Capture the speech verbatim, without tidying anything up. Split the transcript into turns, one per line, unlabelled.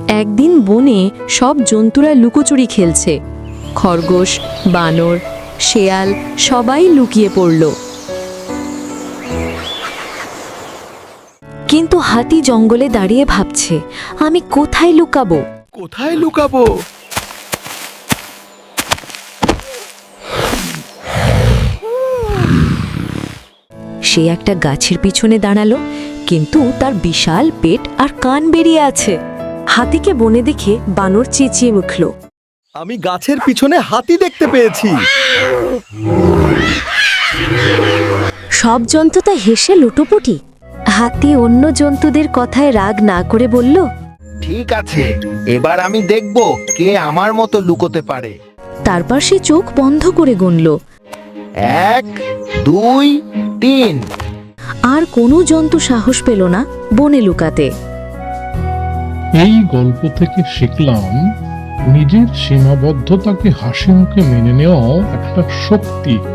একদিন বনে সব জন্তুরা লুকোচুরি খেলছে। খরগোশ, বানর, শেয়াল সবাই লুকিয়ে পড়ল। কিন্তু হাতি জঙ্গলে দাঁড়িয়ে ভাবছে, আমি কোথায় লুকাবো?
কোথায় লুকাবো?
সে একটা গাছের পিছনে দাঁড়ালো, কিন্তু তার বিশাল পেট আর কান বেরিয়ে আছে। হাতিকে বনে দেখে বানর চেঁচিয়ে উঠল,
আমি গাছের পিছনে হাতি দেখতে পেয়েছি।
সব জন্তু তা হেসে লুটোপুটি। হাতি অন্য জন্তুদের কথায় রাগ না করে বলল,
ঠিক আছে, এবার আমি দেখব কে আমার মতো লুকোতে পারে।
তারপর সে চোখ বন্ধ করে গুনল।
এক, দুই, তিন।
আর কোনো জন্তু সাহস পেল না বনে লুকাতে।
এই গল্প থেকে শিখলাম, নিজের সীমাবদ্ধতাকে হাসি মুখে মেনে নেওয়া একটা শক্তি।